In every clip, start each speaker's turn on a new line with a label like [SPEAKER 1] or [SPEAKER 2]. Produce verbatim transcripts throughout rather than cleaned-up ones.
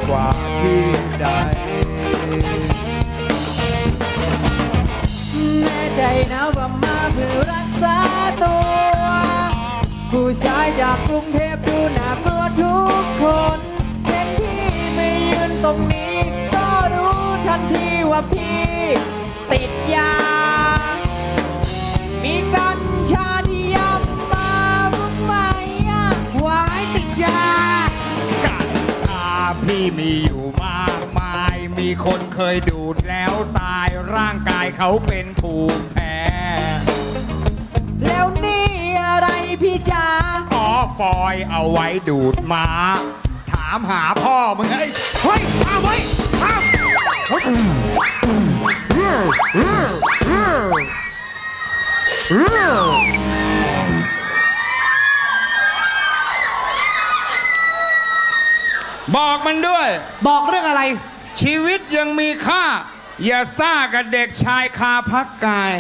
[SPEAKER 1] กว่าที่ใดแน่ใจนะว่ามาเพื่อรักษาตัวผู้ชายจากกรุงเทพดูน่ากลัวทุกคนเห็นพี่ไม่ยืนตรงนี้ก็รู้ทันทีว่าพี่ติดยามีกัญชาที่ยำมาบุกไม่อะวายติดยากัญชาพี่มีอยู่มากมายมีคนเคยดูดแล้วตายร่างกายเขาเป็นภูมิแพ้แล้วนี่อะไรพี่จ๋าอ๋อฟอยเอาไว้ดูดม้าถามหาพ่อมึงไอ้เฮ้ยห้ามไว้ห้ามบอกมันด้วยบอกเรื่องอะไรชีวิตยังมีค่าอย่าซ่ากับเด็กชายคาพักกาย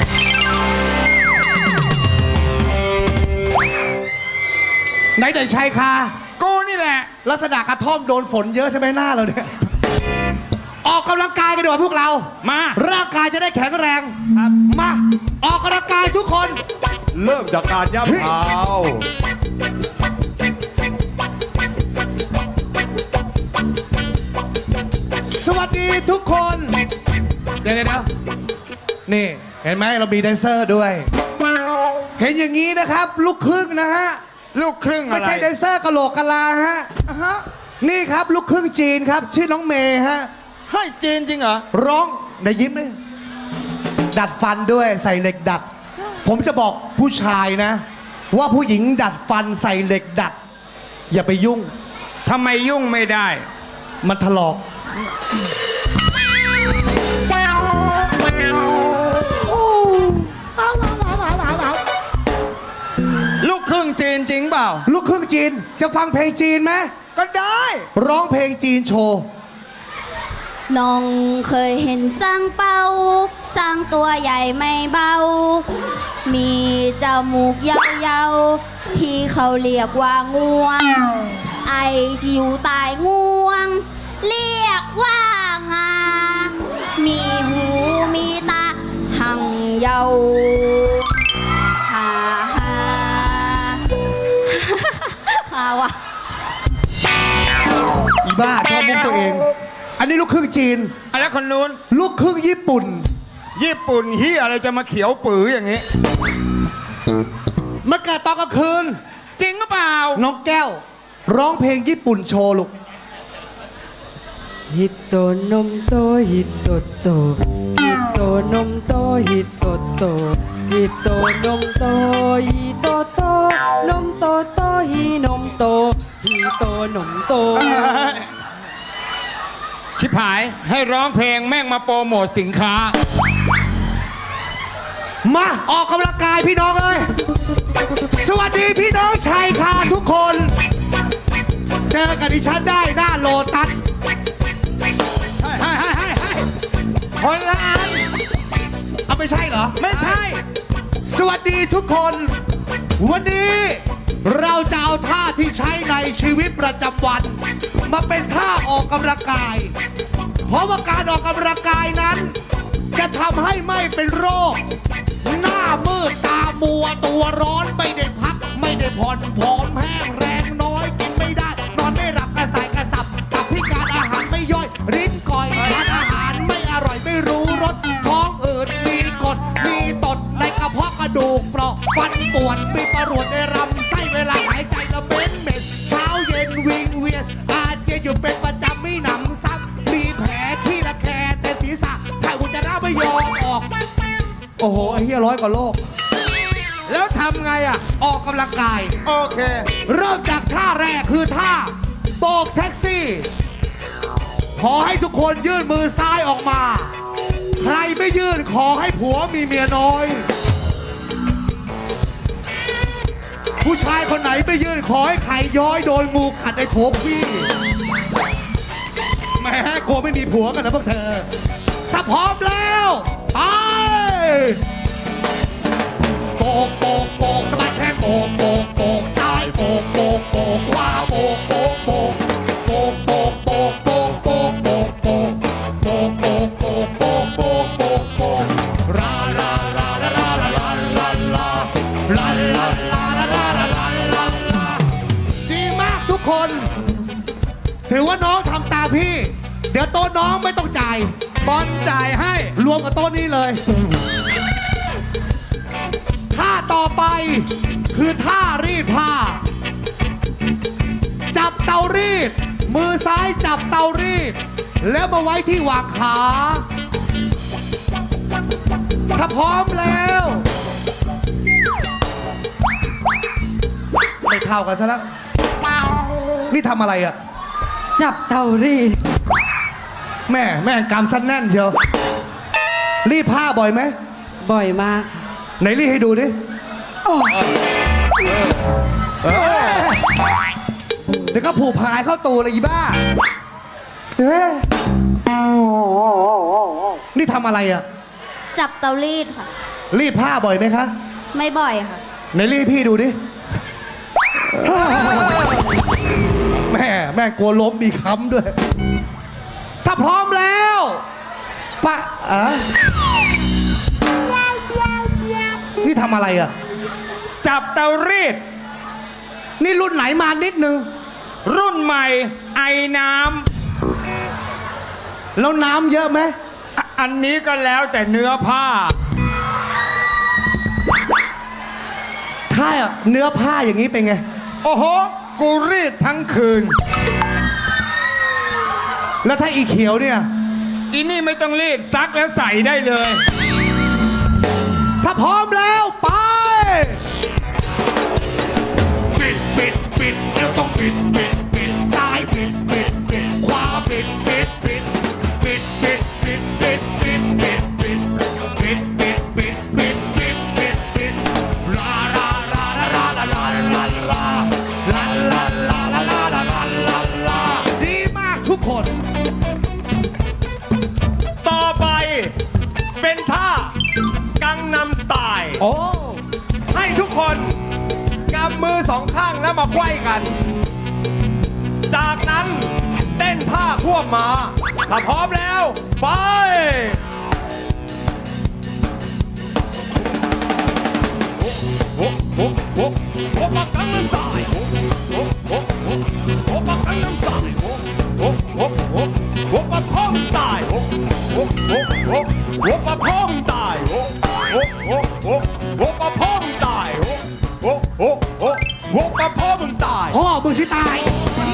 [SPEAKER 1] ไหนเด็กชายคากูนี่แหละลักษณะกระท่อมโดนฝนเยอะใช่ไหมหน้าเราเนี่ยออกกำลังกายกันดีกว่าพวกเรามาร่างกายจะได้แข็งแรงมาออกกำลังกายทุกคนเริ่มจากการย่ำเท้าสวัสดีทุกคนเดี๋ยวเดี๋ยวนี่เห็นไหมเรามีแดนเซอร์ด้วยเห็นอย่างนี้นะครับลูกครึ่งนะฮะลูกครึ่งอะไรไม่ใช่แดนเซอร์กะโหลกกะลาฮะนี่ครับลูกครึ่งจีนครับชื่อน้องเมย์ฮะให้จีนจริงเหรอร้องในยิ้มเลยดัดฟันด้วยใส่เหล็กดัดผมจะบอกผู้ชายนะว่าผู้หญิงดัดฟันใส่เหล็กดัดอย่าไปยุ่งทำไมยุ่งไม่ได้มันถลอกลูกครึ่งจีนจริงเปล่าลูกครึ่งจีนจะฟังเพลงจีนไหมก็ได้ร้องเพลงจีนโชว์
[SPEAKER 2] น้องเคยเห็นสร้างเป้าสร้างตัวใหญ่ไม่เบามีจมูกยาวๆที่เขาเรียกว่างวงไอที่อยู่ใต้งวงเรียกว่างามีหูมีตาหังเยาฮ่าฮ่าฮ่าวะ
[SPEAKER 1] อีบ้าชอบมุกตัวเองอันนี้ลูกครึ่งจีนอะไรคนนู้นลูกครึ่งญี่ปุ่นญี่ปุ่นเฮียอะไรจะมาเขียวปื๋ออย่างนี้มาเกิดตอนกลางคืนจริงหรือเปล่าน้องแก้วร้องเพลงญี่ปุ่นโชว์ลูก
[SPEAKER 3] ฮิโตนมโตฮิโตโตฮิโตนมโตฮิโตโตฮิโตนมโตฮิโตโตนมโตโตฮินมโตฮิโตนมโต
[SPEAKER 1] ชิบหายให้ร้องเพลงแม่งมาโปรโมทสินค้ามาออกกำลังกายพี่น้องเอ้ยสวัสดีพี่น้องชายคาทุกคนเจอกันดิฉันได้หน้าโลตัสให้ให้ให้ให้คนละอันเอาไม่ใช่เหรอไม่ใช่สวัสดีทุกคนวันนี้เราจะเอาท่าที่ใช้ในชีวิตประจำวันมาเป็นท่าออกกำลังกายเพราะว่าการออกกำลังกายนั้นจะทำให้ไม่เป็นโรคหน้ามืดตามัวตัวร้อนไม่ได้พักไม่ได้ผ่อนผอมแห้งแรงน้อยกินไม่ได้นอนไม่หลับกระสายกระสับตับพิการอาหารไม่ย่อยริ้นก่อยทานอาหารไม่อร่อยไม่รู้รสท้องอืดมีกรดมีตดในกระเพาะกระดูกเปราะฟันปวดมีประหลวดในลำไส้เวลาหายใจละเบ้นเหม็นเช้าเย็นวิงเวียนอาเจียนอยู่เป็นประจำไม่หนำซ้ำมีแผลที่ระแคะแต่ศีรษะถ่ายอุจจาระไม่ยอมออกโอ้โหไอ้เหี้ยร้อยกว่าโลกแล้วทำไงอ่ะออกกำลังกายโอเคเริ่มจากท่าแรกคือท่าโบกแท็กซี่ขอให้ทุกคนยื่นมือซ้ายออกมาใครไม่ยื่นขอให้ผัวมีเมียน้อยผู้ชายคนไหนไม่ยื่นขอให้ไข่ย้อยโดนงูขัดในโถพี่แม่กลัวไม่มีผัวกันนะพวกเธอถ้าพร้อมแล้วไปโบกโบกโบกสะบัดแขนโบกโบกโบกซ้ายโบกโบกโบกขวาโบกโบกโบกโบกโบกโบกถือว่าน้องทำตามพี่ เดี๋ยวโต๊ะน้องไม่ต้องจ่าย
[SPEAKER 4] บอลจ่ายให้
[SPEAKER 1] รวมกับโต๊ะนี้เลย ท่าต่อไปคือท่ารีดผ้า จับเตารีด มือซ้ายจับเตารีด แล้วมาไว้ที่หว่างขา ถ้าพร้อมแล้ว ไม่เท่ากันซะแล้ว นี่ทำอะไรอะ
[SPEAKER 3] จับเตารีด
[SPEAKER 1] แม่แม่กำสั้นแน่นเชียว รีดผ้าบ่อยไหม
[SPEAKER 3] บ่อยมาก
[SPEAKER 1] ไหนรีดให้ดูดิ
[SPEAKER 3] โอ้
[SPEAKER 1] เออเดี๋ยวก็ผูกพายเข้าตูเลยอีบ้าเอ๊ะนี่ทำอะไรอะ
[SPEAKER 2] จับเตารีดค่ะ
[SPEAKER 1] รีดผ้าบ่อยไหมคะ
[SPEAKER 2] ไม่บ่อยค่ะ
[SPEAKER 1] ไหนรีดให้พี่ดูดิ แม่แม่กลัวล้มมีค้ำด้วย ถ้าพร้อมแล้วปะอ่ะนี่ทำอะไรอะ
[SPEAKER 4] จับเตารีด
[SPEAKER 1] นี่รุ่นไหนมานิดนึง
[SPEAKER 4] รุ่นใหม่ไอน้
[SPEAKER 1] แล้วน้ำเยอะไหม
[SPEAKER 4] ำอ่ะอันนี้ก็แล้วแต่เนื้อผ้า
[SPEAKER 1] ถ้าเนื้อผ้าอย่างนี้เป็นไง
[SPEAKER 4] โอ้โห กูรีดทั้งคืน
[SPEAKER 1] แล้วถ้าอีเขียวเนี่ย
[SPEAKER 4] อีนี่ไม่ต้องรีดซักแล้วใส่ได้เลย
[SPEAKER 1] ถ้าพร้อมแล้วไป
[SPEAKER 4] ปิดปิดปิดเดี๋ยวต้องปิดปิดปิดซ้ายปิดปิดปิดขวาปิดปิดปิดปิดปิดปิดปิดปิดปิดปิดปิดปิดปิดปิดปิดปิดปิดลาลาลาลาลาลาลาลาลาลาลาลาลาลาลาลาลา
[SPEAKER 1] ดีมากทุกคน
[SPEAKER 4] ต่อไปเป็นท่ากังนำสไตล์
[SPEAKER 1] โอ้
[SPEAKER 4] ให้ทุกคนกำมือสองข้างแล้วมาไขว้กัน จากนั้นเต้นท่าควบมา ถ้าพร้อมแล้ว ไปโอ้โหโอ้โหโอ้ปักกังน้ำตายโอ้โหโอ้โหโอ้ปักกังน้ำตายโอ้โหโอ้โหโอ้ปักพ่อมตายโอ้โหโอ้โหโอ้ปักพ่อมตายโอ้โหโอ้โหโอ้ปักพ่อมตายโอ้โหโอ้โหโอ้ปักพ่อมึงตาย
[SPEAKER 1] พ่อมึงสิตาย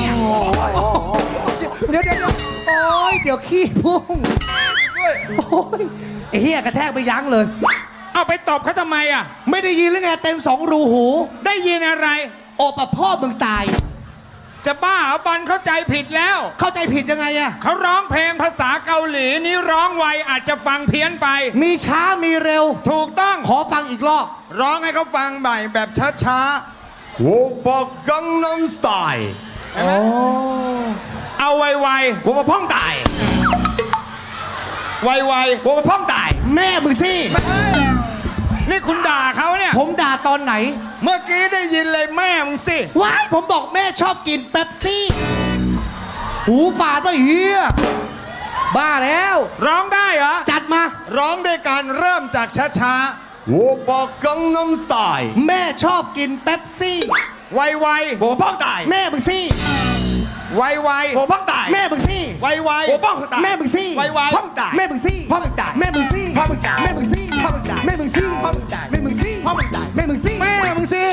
[SPEAKER 1] เดี๋ยวเดี๋ยวเดี๋ยวโอ้ยเดี๋ยวขี้พุ่งโอ้ยไอ้เหี้ยกระแทกไปยั้งเลย
[SPEAKER 4] เอาไปตบเขาทำไมอ่ะ
[SPEAKER 1] ไม่ได้ยินหรือไงเต็มสองรูหู
[SPEAKER 4] ได้ยินอะไร
[SPEAKER 1] โอปะพ่อมึงตาย
[SPEAKER 4] จะบ้าเหรอบอลเข้าใจผิดแล้ว
[SPEAKER 1] เข้าใจผิดยังไงอะ
[SPEAKER 4] เขาร้องเพลงภาษาเกาหลีนี้ร้องไวอาจจะฟังเพี้ยนไป
[SPEAKER 1] มีช้ามีเร็ว
[SPEAKER 4] ถูกต้อง
[SPEAKER 1] ขอฟังอีกรอบ
[SPEAKER 4] ร้องให้เขาฟังใหม่แบบช้าๆโวปะกังนัมสไตล์
[SPEAKER 1] โอ้
[SPEAKER 4] เอาไวๆโวปะพ่องตายไวๆโวปะพ่องตาย
[SPEAKER 1] แม่มึงสิ
[SPEAKER 4] นี่คุณด่าเขาเนี่ย
[SPEAKER 1] ผมด่าตอนไหน
[SPEAKER 4] เมื่อกี้ได้ยินเลยแม่มึงสิ
[SPEAKER 1] ว้ายผมบอกแม่ชอบกินเป๊ปซี่ หูฝาดมาเฮียบ้าแล้ว
[SPEAKER 4] ร้องได้เหรอ
[SPEAKER 1] จัดมา
[SPEAKER 4] ร้องด้วยการเริ่มจากช้าๆโวปะกังนัมสไตล์
[SPEAKER 1] แม่ชอบกินเป๊ปซี่
[SPEAKER 4] ไวๆโวปะพ่องตาย
[SPEAKER 1] แม่มึงสิ
[SPEAKER 4] ไวๆโวปะพ่องตาย
[SPEAKER 1] แม่มึงสิ
[SPEAKER 4] ไวๆโวปะพ่องตาย
[SPEAKER 1] แม่มึงสิ
[SPEAKER 4] ไวๆพ่องตาย
[SPEAKER 1] แม่มึงสิ
[SPEAKER 4] พ่อมึงตาย
[SPEAKER 1] แม่มึงสิ
[SPEAKER 4] พ่อมึงตาย
[SPEAKER 1] แม่มึงสิ
[SPEAKER 4] พ่อมึงตาย
[SPEAKER 1] แม่มึงสิ
[SPEAKER 4] พ่อมึงตาย
[SPEAKER 1] แม่มึงสิ
[SPEAKER 4] พ่อมึงตาย
[SPEAKER 1] แม่มึงสิ
[SPEAKER 4] แม่มึงสิ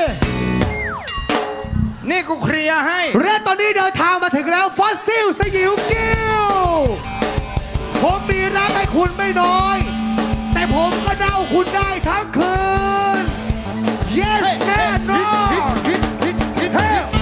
[SPEAKER 4] นี่กูเคลียร์ให้
[SPEAKER 1] และตอนนี้เดินทางมาถึงแล้วฟอสซิลสยิวกิ้วผมมีรักให้คุณไม่น้อย แต่ผมก็เดาคุณได้ทั้งคืน yes แน่นอนเฮ้ย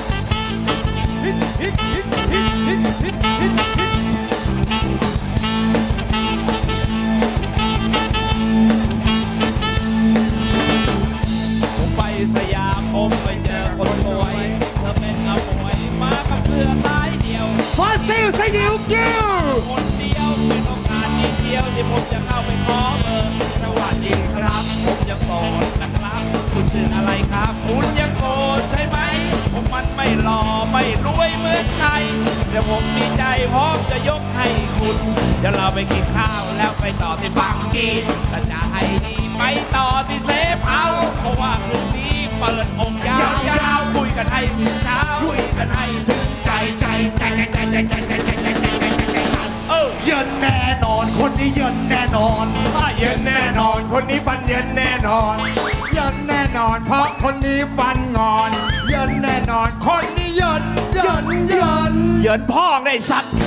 [SPEAKER 5] ผมไปสยามผมไปเจอคนสวยเธอเป็นอมวยมากับเสื้อลายเดียว
[SPEAKER 1] ฟอสซิลสยิวกิ้ว
[SPEAKER 5] คนเดียวเป็นโอกาสนิดเดียวที่ผมจะเข้าไปขอเบอร์สวัสดีครับ ผมยังโสดนะครับ คุณชื่ออะไรครับ คุณยังโสดใช่ไหม ผมมันไม่หล่อไม่รวยเหมือนใครเดี๋ยวผมมีใจพร้อมจะยกให้คุณ เดี๋ยวเราไปกินข้าวแล้วไปต่อที่ฟังกินถ้าจะให้ดีไปต่อที่เซฟเอาท์เพราะว่าคืนนี้เปิดอกยาวๆคุยกันให้ถึงเช้าคุยกันให้ถึงใจใจใจใจเออ
[SPEAKER 1] เยินแน่นอนคนนี้เยินแน่นอน
[SPEAKER 4] ถ้าเย็นแน่นอนคนนี้ฟันเย็นแน่นอนเย็นแน่นอน เพราะคนนี้ฟันงอนเย็นแน่นอนคนนี้เย็นเย็นเย็น
[SPEAKER 5] เหยินพ่อได้สัตว์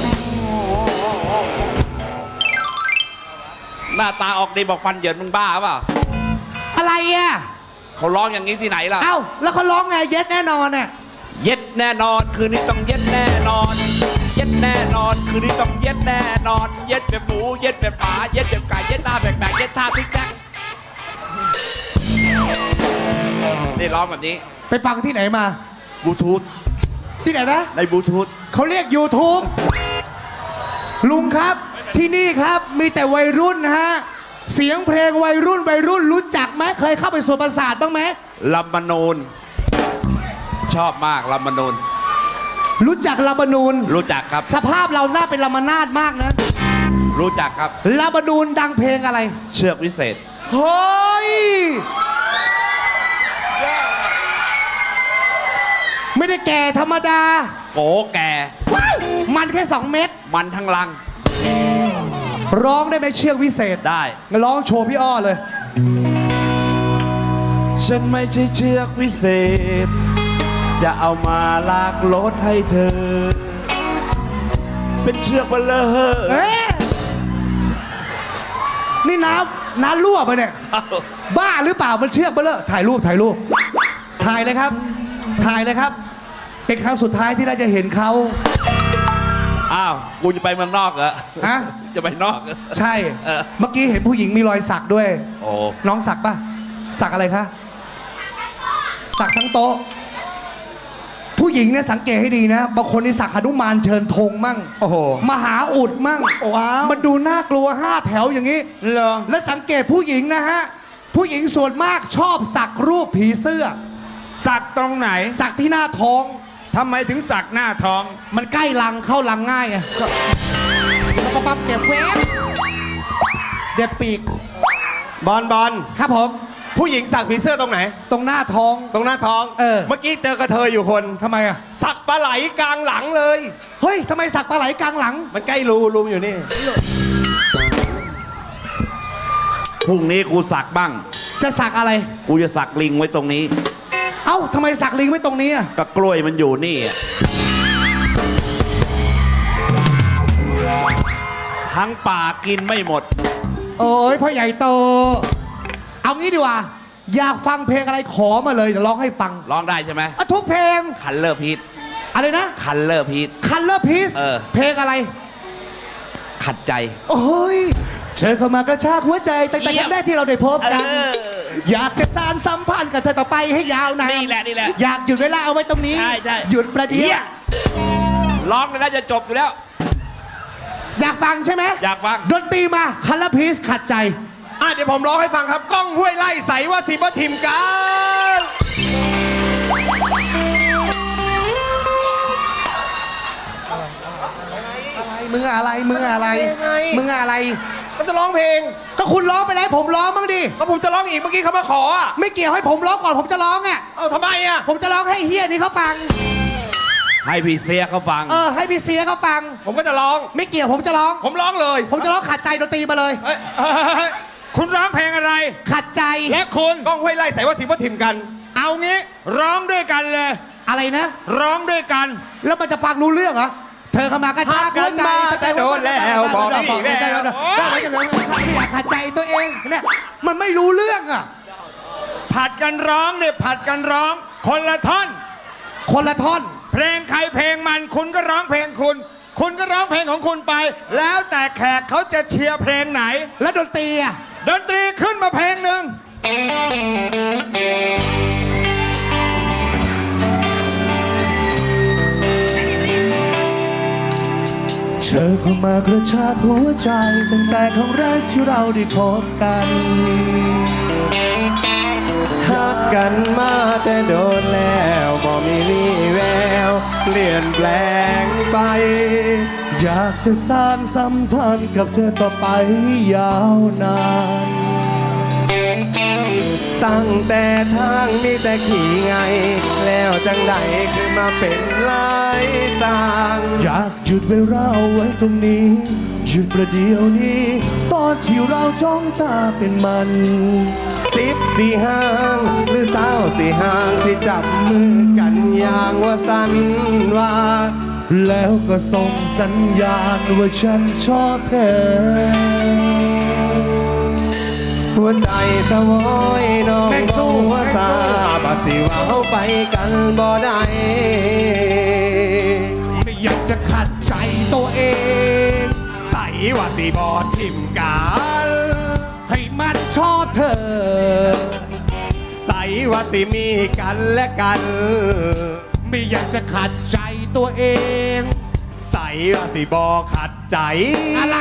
[SPEAKER 5] หน้าตาออกดีบอกฟันเหยินมึงบ้าเปล่า
[SPEAKER 1] อะไรอ่ะ
[SPEAKER 5] เขาร้องอย่างนี้ที่ไหนล่ะ
[SPEAKER 1] เอ้าแล้วเขาร้องไงเย็ดแน่นอนเนี่ย
[SPEAKER 5] เย็ดแน่นอนคืนนี้ต้องเย็ดแน่นอน เย็ดแน่นอนคืนนี้ต้องเย็ดแน่นอน เย็ดแบบหมูเย็ดแบบหมาเย็ดแบบไก่เย็ดท่าแปลกๆเย็ดท่าพลิกแปลกนี่ร้องแบบนี้
[SPEAKER 1] ไปฟังที่ไหนมา
[SPEAKER 5] บลูทูธ
[SPEAKER 1] ที่ไหนนะ
[SPEAKER 5] ในบลูทูธ
[SPEAKER 1] เขาเรียก YouTube ลุงครับที่นี่ครับมีแต่วัยรุ่นนะฮะเสียงเพลงวัยรุ่นวัยรุ่นรู้จักไหมเคยเข้าไปสวนประสาทบ้างไหม
[SPEAKER 5] ลำมนูนชอบมากลำมนูน
[SPEAKER 1] รู้จักลาบานูน
[SPEAKER 5] รู้จักครับ
[SPEAKER 1] สภาพเราหน้าเป็นลามานาดมากนะ
[SPEAKER 5] รู้จักครับ
[SPEAKER 1] ลาบานูนดังเพลงอะไร
[SPEAKER 5] เชือกวิเศษ
[SPEAKER 1] เฮ้ยไม่ได้แก่ธรรมดา
[SPEAKER 5] โกแก่
[SPEAKER 1] ว้ายมันแค่สองเม็ด
[SPEAKER 5] มันทั้งลัง
[SPEAKER 1] ร้องได้ไหมเชือกวิเศษ
[SPEAKER 5] ได้
[SPEAKER 1] งั้นร้องโชว์พี่อ้อเลย
[SPEAKER 5] ฉันไม่ใช่เชือกวิเศษ จะเอามาลากรถให้เธอ เป็นเชือกเบลเลอร์
[SPEAKER 1] เอ๊ะนี่น้ำน้ำรั่วไปะเนี่ย บ้าหรือเปล่ามันเชือกเบลอถ่ายรูปถ่ายรูป ถ่ายเลยครับ ถ่ายเลยครับ เป็นครั้งสุดท้ายที่เราจะเห็นเขา
[SPEAKER 5] อ้าว กูจะไปเมืองนอกเหรอ
[SPEAKER 1] ฮะ
[SPEAKER 5] จะไปนอกเหรอ
[SPEAKER 1] ใช่
[SPEAKER 5] เออ
[SPEAKER 1] เมื่อกี้เห็นผู้หญิงมีรอยสักด้วย
[SPEAKER 5] โอ้
[SPEAKER 1] น้องสักปะสักอะไรคะ สักทั้งโต๊ะ ผู้หญิงเนี่ยสังเกตให้ดีนะ บางคนนี่สักหนุมานเชิญธงมั่ง
[SPEAKER 4] โอ้โห
[SPEAKER 1] มหาอุดมั่ง
[SPEAKER 4] ว้าว
[SPEAKER 1] มันดูน่ากลัวห้าแถวอย่างนี้
[SPEAKER 4] เหรอ
[SPEAKER 1] และสังเกตผู้หญิงนะฮะ ผู้หญิงส่วนมากชอบสักรูปผีเสื้อ
[SPEAKER 4] สักตรงไหน
[SPEAKER 1] สักที่หน้าท้อง
[SPEAKER 4] ทำไมถึงสักหน้าท้อง
[SPEAKER 1] มันใกล้รังเข้ารังง่ายไงก็แล้วก็ปั๊บเก็บแวบเด็ดปีก
[SPEAKER 4] บอลบอล
[SPEAKER 1] ครับผม
[SPEAKER 4] ผู้หญิงสักผีเสื้อตรงไหน
[SPEAKER 1] ตรงหน้าท้อง
[SPEAKER 4] ตรงหน้าท้อง
[SPEAKER 1] เออ
[SPEAKER 4] เมื่อกี้เจอกระเทยอยู่คน
[SPEAKER 1] ทำไมอ่ะ
[SPEAKER 4] สักปลาไหลกลางหลังเลย
[SPEAKER 1] เฮ้ยทำไมสักปลาไหลกลางหลัง
[SPEAKER 4] มันใกล้รูรูมอยู่นี่
[SPEAKER 5] พรุ่งนี้กูสักบ้าง
[SPEAKER 1] จะสักอะไร
[SPEAKER 5] กูจะสักลิงไว้ตรงนี้
[SPEAKER 1] เอ้าทำไมสักลิงไว้ตรงนี้อ่ะ
[SPEAKER 5] ก็กล้วยมันอยู่นี่อะทั้งป่ากินไม่หมด
[SPEAKER 1] โอ้ยพ่อใหญ่โต เอางี้ดีกว่า อยากฟังเพลงอะไรขอมาเลยเดี๋ยวร้องให้ฟัง
[SPEAKER 5] ร้องได้ใช่ไหม
[SPEAKER 1] อ่ะทุกเพลง
[SPEAKER 5] คันเลอร์พีท
[SPEAKER 1] อะไรนะ
[SPEAKER 5] คันเลอร์พีท
[SPEAKER 1] คันเลอร์พีซ
[SPEAKER 5] เออ
[SPEAKER 1] เพลงอะไร
[SPEAKER 5] ขัดใจ
[SPEAKER 1] โอ้ยเธอเข้ามากระชากหัวใจตั้งแต่ครั้งแรกที่เราได้พบกัน
[SPEAKER 5] เออ
[SPEAKER 1] อยากจะสานสัมพันธ์กับเธอต่อไปให้ยาวนาน
[SPEAKER 5] นี่แหละนี่แหละ
[SPEAKER 1] อยากหยุดเวลาเอาไว้ตรงนี้
[SPEAKER 5] ใช่ใช่
[SPEAKER 1] หยุดประเดี๋
[SPEAKER 5] เหี้
[SPEAKER 1] ย
[SPEAKER 5] ยว ร้องเลยน่าจะจบอยู่แล้ว
[SPEAKER 1] อยากฟังใช่ไหม
[SPEAKER 5] อยากฟัง
[SPEAKER 1] ดนตรีมาคันเลอร์พีซขัดใจ
[SPEAKER 4] อ่ะเดี๋ยวผมร้องให้ฟังครับ ก้องห้วยไล่ใสว่าสิบทิมกัน
[SPEAKER 1] มึงอะไร มึงอะไร มึงอะไร
[SPEAKER 4] มันจะร้องเพลง
[SPEAKER 1] ก็คุณร้องไปแล้วผมร้องบ้างดิ
[SPEAKER 4] แล้วผมจะร้องอีกเมื่อกี้เขามาขออ่ะ
[SPEAKER 1] ไม่เกี่ยวให้ผมร้องก่อนผมจะร้องอ่ะ
[SPEAKER 4] เอ้าทำไมอ่ะ
[SPEAKER 1] ผมจะร้องให้เฮียนี่เขาฟัง
[SPEAKER 5] ให้พี่เสียเขาฟัง
[SPEAKER 1] เออให้พี่เสียเขาฟัง
[SPEAKER 4] ผมก็จะร้อง
[SPEAKER 1] ไม่เกี่ยวผมจะร้อง
[SPEAKER 4] ผมร้องเลย
[SPEAKER 1] ผมจะร้องขัดใจดนตรีมาเลย
[SPEAKER 4] เอ้ยเอ้ยเอ้ยคุณร้องเพลงอะไร
[SPEAKER 1] ขัดใจ
[SPEAKER 4] และคุณก้องห้วยไล่ใสว่าสิบทิมกัน เอางี้ร้องด้วยกันเลย
[SPEAKER 1] อะไรนะ
[SPEAKER 4] ร้องด้วยกัน
[SPEAKER 1] แล้วมันจะฟังรู้เรื่องเหรอ เธอเข้ามากระชากหัวใจ
[SPEAKER 4] หักกันมาแต่โดนแล้วบอกไม่มีแวว
[SPEAKER 1] ว่าไม่จะเรื่องไม่อยากขัดใจตัวเองเนี่ยมันไม่รู้เรื่องอ่ะ
[SPEAKER 4] ผัดกันร้องเนี่ยผัดกันร้อง คนละท่อน
[SPEAKER 1] คนละท่อน
[SPEAKER 4] เพลงใครเพลงมันคุณก็ร้องเพลงคุณ คุณก็ร้องเพลงของคุณไป แล้วแต่แขกเขาจะเชียร์เพลงไหน
[SPEAKER 1] แล้วดนตรีอ่ะ
[SPEAKER 4] ดนตรีขึ้นมาเพลงหนึ่ง
[SPEAKER 1] เธอเข้ามากระชากหัวใจตั้งแต่ครั้งแรกที่เราได้พบกันหักกันมาแต่โดนแล้วบ่มีวี่แววเปลี่ยนแปลงไป อยากจะสร้างสัมพันธ์กับเธอต่อไปยาวนาน
[SPEAKER 4] ตั้งแต่ทางมีแต่ขี่ไง แล้วจังใดขึ้นมาเป็นหลายต่าง อยากหยุดเวลาเอาไว้ตรงนี้ หยุดประเดี๋ยวนี้ ตอนที่เราจ้องตาเป็นมันสิบสี่ห้างหรือสาวสี่ห้างสิจับมือกันอย่างว่าสันว่า แล้วก็ส่งสัญญาณว่าฉันชอบเธอ หัวใจสวอยน้องสู้ว่าซาบาสิว่าเขาไปกันบ่ได้
[SPEAKER 1] ไม่อยากจะขัดใจตัวเอง
[SPEAKER 4] ใส่ว่าสิบอทิมกัน
[SPEAKER 1] ให้มันชอบเธอ
[SPEAKER 4] ใส่ว่าสิมีกันและกัน
[SPEAKER 1] ไม่อยากจะขัดใจตัวเอง
[SPEAKER 4] ใส่ว่าสิบอขัดใจ
[SPEAKER 1] อะไร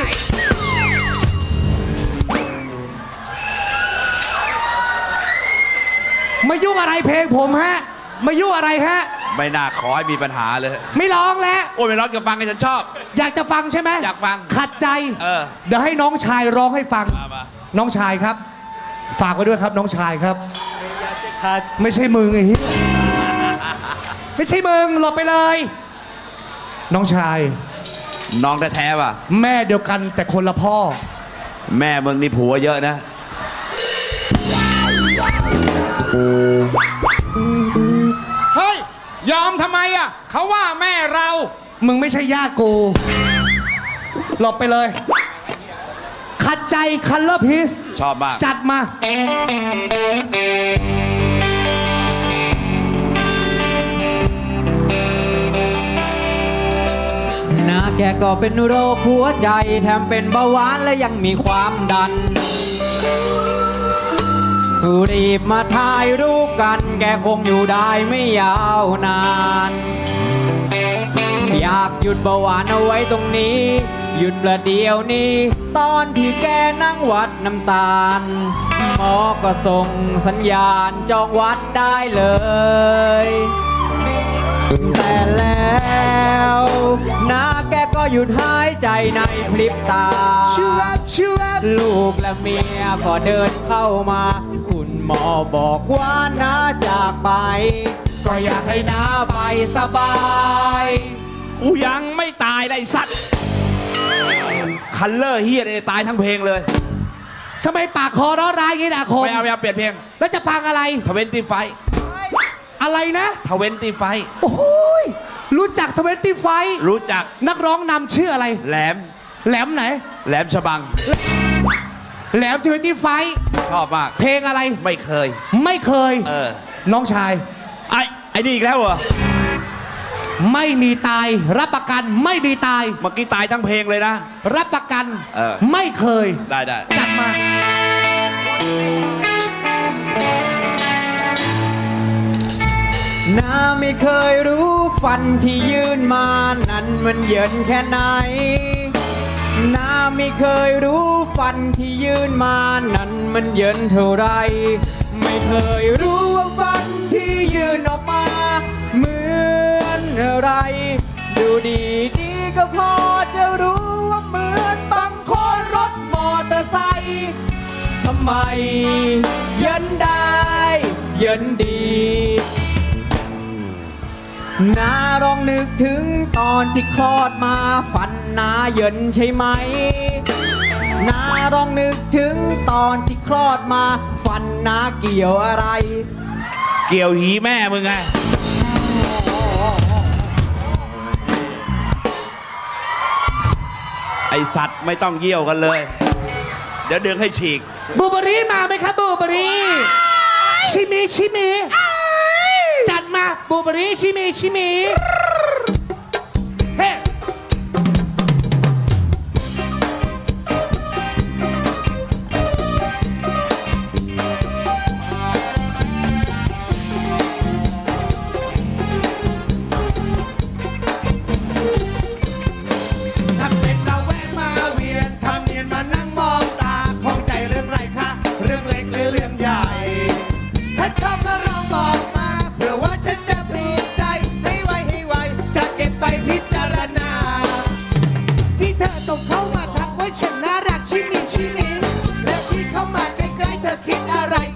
[SPEAKER 1] มายุ่งอะไรเพลงผมฮะ มายุ่งอะไรฮะ
[SPEAKER 5] ไม่น่าขอให้มีปัญหาเลย
[SPEAKER 1] ไม่ร้องแล้ว
[SPEAKER 5] โอ้ยไม่ร้องกับฟังกันฉันชอบ
[SPEAKER 1] อยากจะฟังใช่ไหม
[SPEAKER 5] อยากฟัง
[SPEAKER 1] ขัดใจ
[SPEAKER 5] เออ
[SPEAKER 1] เดี๋ยวให้น้องชายร้องให้ฟัง
[SPEAKER 5] มามา
[SPEAKER 1] น้องชายครับ ฝากไว้ด้วยครับน้องชายครับ ไม่ใช่มึงไอ้เหี้ยไม่ใช่มึงหลบไปเลย น้องชาย
[SPEAKER 5] น้องแท้ๆป่ะ
[SPEAKER 1] แม่เดียวกันแต่คนละพ่อ
[SPEAKER 5] แม่มึงนี่ผัวเยอะนะ
[SPEAKER 6] เฮ้ย ยอมทำไมอ่ะ เขาว่าแม่เรา
[SPEAKER 1] มึงไม่ใช่ญาติกู หลบไปเลย ขัดใจคัลเลอร์พีซ
[SPEAKER 5] ชอบมาก
[SPEAKER 1] จัดมา
[SPEAKER 3] นาแกก็เป็นโรคหัวใจ แถมเป็นเบาหวานและยังมีความดัน รีบมาถ่ายรูปกัน แกคงอยู่ได้ไม่ยาวนาน อยากหยุดเบาหวานเอาไว้ตรงนี้ หยุดประเดี๋ยวนี้ ตอนที่แกนั่งวัดน้ำตาล หมอก็ส่งสัญญาณจองวัดได้เลย แต่แล้วนาแกก็หยุดหายใจในพริบตา
[SPEAKER 1] ชิวบชิวบ
[SPEAKER 3] ลูกและเมียก็เดินเข้ามา คุณหมอบอกว่าน้าจากไป ก็อยากให้น้าไปสบาย
[SPEAKER 5] กูยังไม่ตายเลยไอ้สัตว์ คัลเลอร์เฮียเนี่ยตายทั้งเพลงเลย
[SPEAKER 1] ทำไมปากคอร้อนร้ายอย่างนี้นะคม
[SPEAKER 5] ไม่เอาไม่เอาเปลี่ยนเพลง
[SPEAKER 1] แล้วจะฟังอะไร
[SPEAKER 5] ทเวนตี้ไฟ
[SPEAKER 1] อะไรนะ
[SPEAKER 5] ทเวนตี้ไฟ
[SPEAKER 1] โอ้โหยรู้จักทเวนตี้ไฟ
[SPEAKER 5] รู้จัก
[SPEAKER 1] นักร้องนำชื่ออะไร
[SPEAKER 5] แหลม
[SPEAKER 1] แหลมไหน
[SPEAKER 5] แหลมฉบัง
[SPEAKER 1] แหลมทเวนตี้ไฟ
[SPEAKER 5] ชอบมาก
[SPEAKER 1] เพลงอะไร
[SPEAKER 5] ไม่เคย
[SPEAKER 1] ไม่เคย
[SPEAKER 5] เออ
[SPEAKER 1] น้องชาย
[SPEAKER 5] ไอ้ไอ้นี่อีกแล้วเหรอ
[SPEAKER 1] ไม่มีตาย รับประกันไม่มีตาย
[SPEAKER 5] เมื่อกี้ตายทั้งเพลงเลยนะ
[SPEAKER 1] รับประกัน
[SPEAKER 5] เออ
[SPEAKER 1] ไม่เคย
[SPEAKER 5] ได้ได้
[SPEAKER 1] จัดมา
[SPEAKER 3] น้าไม่เคยรู้ฟันที่ยื่นมานั้นมันเยินแค่ไหน น้าไม่เคยรู้ฟันที่ยื่นมานั้นมันเยินเท่าไร ไม่เคยรู้ว่าฟันที่ยื่นออกมาเหมือนอะไร ดูดีดีก็พอจะรู้ว่าเหมือนบางคนรถมอเตอร์ไซค์ทำไมเยินได้เยินดีนาลองนึกถึงตอนที่คลอดมาฟันนาเยินใช่ไหมนาลองนึกถึงตอนที่คลอดมาฟันนาเกี่ยวอะไร
[SPEAKER 5] เกี่ยวหีแม่มึงไง ไอสัตว์ไม่ต้องเยี่ยวกันเลย เดี๋ยวดึงให้ฉีก
[SPEAKER 1] บูเบอรี่มาไหมครับบูเบอรี่ชิมิชิมิจัดมาบูเบอรี่ชิมิชิมิเฮ้ ถ้าเป็นเราแวะมาเวียนทำเนียนมานั่งมองตาของใจเรื่องไรคะเรื่องเล็กหรือเรื่องใหญ่ ถ้าชอบก็ลองบอกมาเผื่อว่าฉันจะปลีกใจให้ไวให้ไวจะเก็บไปพิจารณา ที่เธอตกเข้ามาทักว่าฉันน่ารักชิมิชิมิแล้วที่เข้ามาใกล้ๆเธอคิดอะไร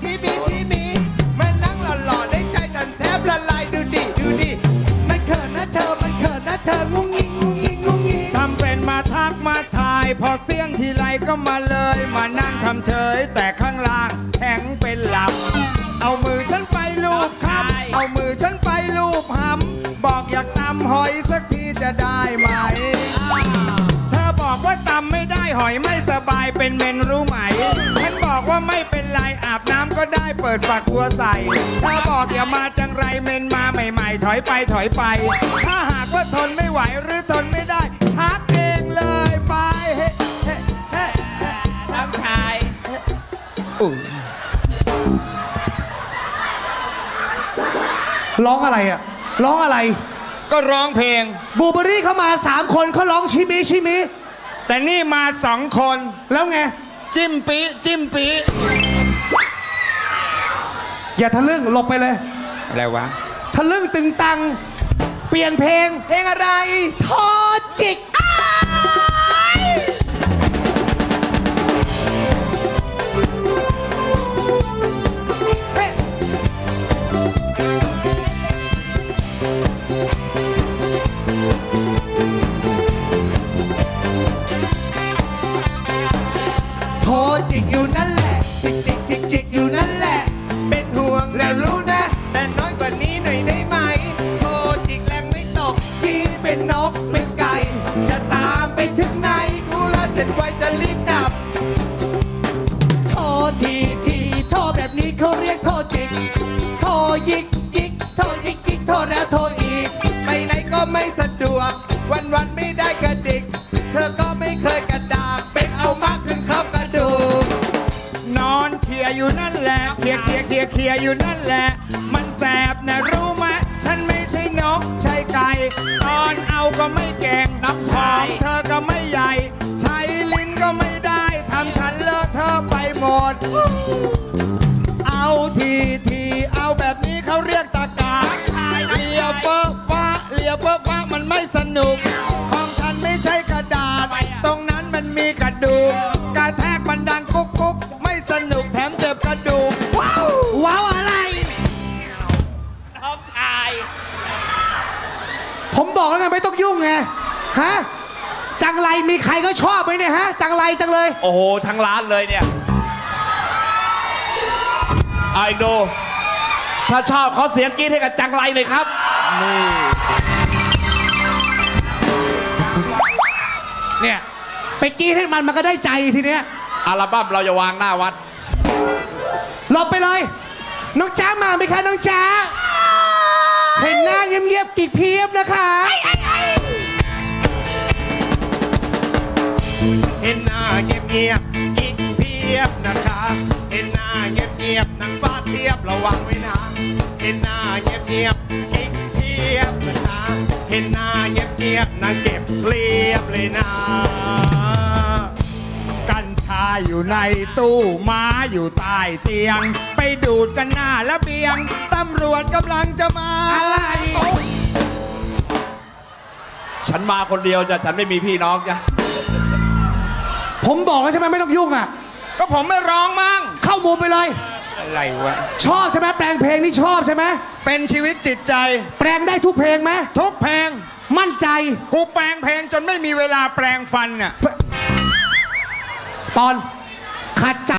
[SPEAKER 6] พอเสี้ยงทีไรก็มาเลย มานั่งทำเฉย แต่ข้างล่างแข็งเป็นหลับ เอามือฉันไปลูบช้ำเอามือฉันไปลูบหำบอกอยากตำหอยสักทีจะได้ไหม เธอบอกว่าตำไม่ได้หอยไม่สบายเป็นเมนรู้ไหม ฉันบอกว่าไม่เป็นไรอาบน้ำก็ได้เปิดฝักบัวใส่ เธอบอกอย่ามาจังไรเมนมาใหม่ๆ ถอยไปถอยไป ถ้าหากว่าทนไม่ไหวหรือทนไม่ได้ชักเองเลยไปเฮ้เฮ้เฮ้
[SPEAKER 5] น้องชาย
[SPEAKER 6] อุ๊ย
[SPEAKER 1] ร้องอะไรอ่ะ ร้องอะไร
[SPEAKER 6] ก็ร้องเพลง
[SPEAKER 1] บูเบอรี่เข้ามาสามคนเขาร้องชิมิชิมิ
[SPEAKER 6] แต่นี่มาสองคน
[SPEAKER 1] แล้วไง
[SPEAKER 6] จิ้มปีจิ้มปี
[SPEAKER 1] อย่าทะลึ่งหลบไปเลย
[SPEAKER 6] อะไรวะ
[SPEAKER 1] ทะลึ่งตึงตัง เปลี่ยนเพลง เพลงอะไร ทอจิกอ้ายเฮ้โทรจิกอยู่นั่นแหละ จิกจิกจิกจิกอยู่นั่นแหละ เป็นห่วงแล้วรู้นะ แต่น้อยกว่านี้หน่อยได้ไหม โทรจิกแรงไม่ตกที่เป็นนกเป็นไก่ จะตามไปถึงไหนกูละเสร็จไวจะรีบกลับ โทรทีทีโทรแบบนี้เขาเรียกโทรจิก โทรยิกยิกโทรยิกยิกโทรแล้วโทรอีก ไปไหนก็ไม่สะดวก วันวันๆไม่ได้กระดิก เธอก็ไม่เคยกระดากเป็นเอามากขึ้นเข้ากระดูก
[SPEAKER 6] นอนเคลียร์อยู่นั่นแหละเคลียร์เคลียร์เคลียร์เคลียร์อยู่นั่นแหละ มันแสบนะรู้ไหมฉันไม่ใช่นกใช่ไก่ ตอนเอาก็ไม่เก่ง
[SPEAKER 5] น้องชาย
[SPEAKER 6] เธอก็ไม่ใหญ่ ใช้ลิ้นก็ไม่ได้ทำฉันเลอะเธอะไปหมด เอาทีทีเอาแบบนี้เขาเรียกตะกาเลียเปิ้ลฟ้าเลียเปิ้ลฟ้ามันไม่สนุก ของฉันไม่ใช่กระดาษ ตรงนั้นมันมีกระดูกกระแทกมันดังกุ๊กกุ๊กไม่สนุกแถมเจ็บกระดูก ว้าวว้าวอะไร
[SPEAKER 5] น้องชาย
[SPEAKER 1] ผมบอกแล้วไงไม่ต้องยุ่งไง ฮะ จังไรมีใครก็ชอบไหมเนี่ยฮะ จังไรจังเลย
[SPEAKER 5] โอ้โห ทั้งร้านเลยเนี่ยไอ้ดูถ้าชอบเขาเสียงกรี๊ดให้กับจังไรเลยครับ นี่
[SPEAKER 1] เนี่ย ไปกรี้ให้มันมันก็ได้ใจทีเนี้ย
[SPEAKER 5] อัลบั้มเราจะวางหน้าวัด
[SPEAKER 1] หลบไปเลย น้องจ้ามาไหมคะน้องจ้า เห็นหน้าเงียบๆกิกเพียบนะคะ
[SPEAKER 6] เห็นหน้าเงียบเงียบๆกิ๊กเพียบนะคะ เห็นหน้าเงียบเงียบๆนางฟ้าเทียบระวังไว้นะ เห็นหน้าเงียบเงียบๆกิ๊กเพียบนะคะ เห็นหน้าเงียบเงียบๆนางเก็บเรียบเลยนะ กัญชาอยู่ในตู้ม้าอยู่ใต้เตียง ไปดูดกันหน้าระเบียง ตำรวจกำลังจะมา อะไร
[SPEAKER 5] ฉันมาคนเดียวจ้ะฉันไม่มีพี่น้องจ้ะ
[SPEAKER 1] ผมบอกแล้วใช่ไหมไม่ต้องยุ่งอ่ะ
[SPEAKER 6] ก็ผมไม่ร้องมั่ง
[SPEAKER 1] เข้ามุมไปเลย
[SPEAKER 6] อะไรวะ
[SPEAKER 1] ชอบใช่ไหมแปลงเพลงนี่ชอบใช่ไหม
[SPEAKER 6] เป็นชีวิตจิตใจ
[SPEAKER 1] แปลงได้ทุกเพลงไหม
[SPEAKER 6] ทุกเพลง
[SPEAKER 1] มั่นใจ
[SPEAKER 6] กูแปลงเพลงจนไม่มีเวลาแปลงฟันน่ะ
[SPEAKER 1] ปอน ขัดใจ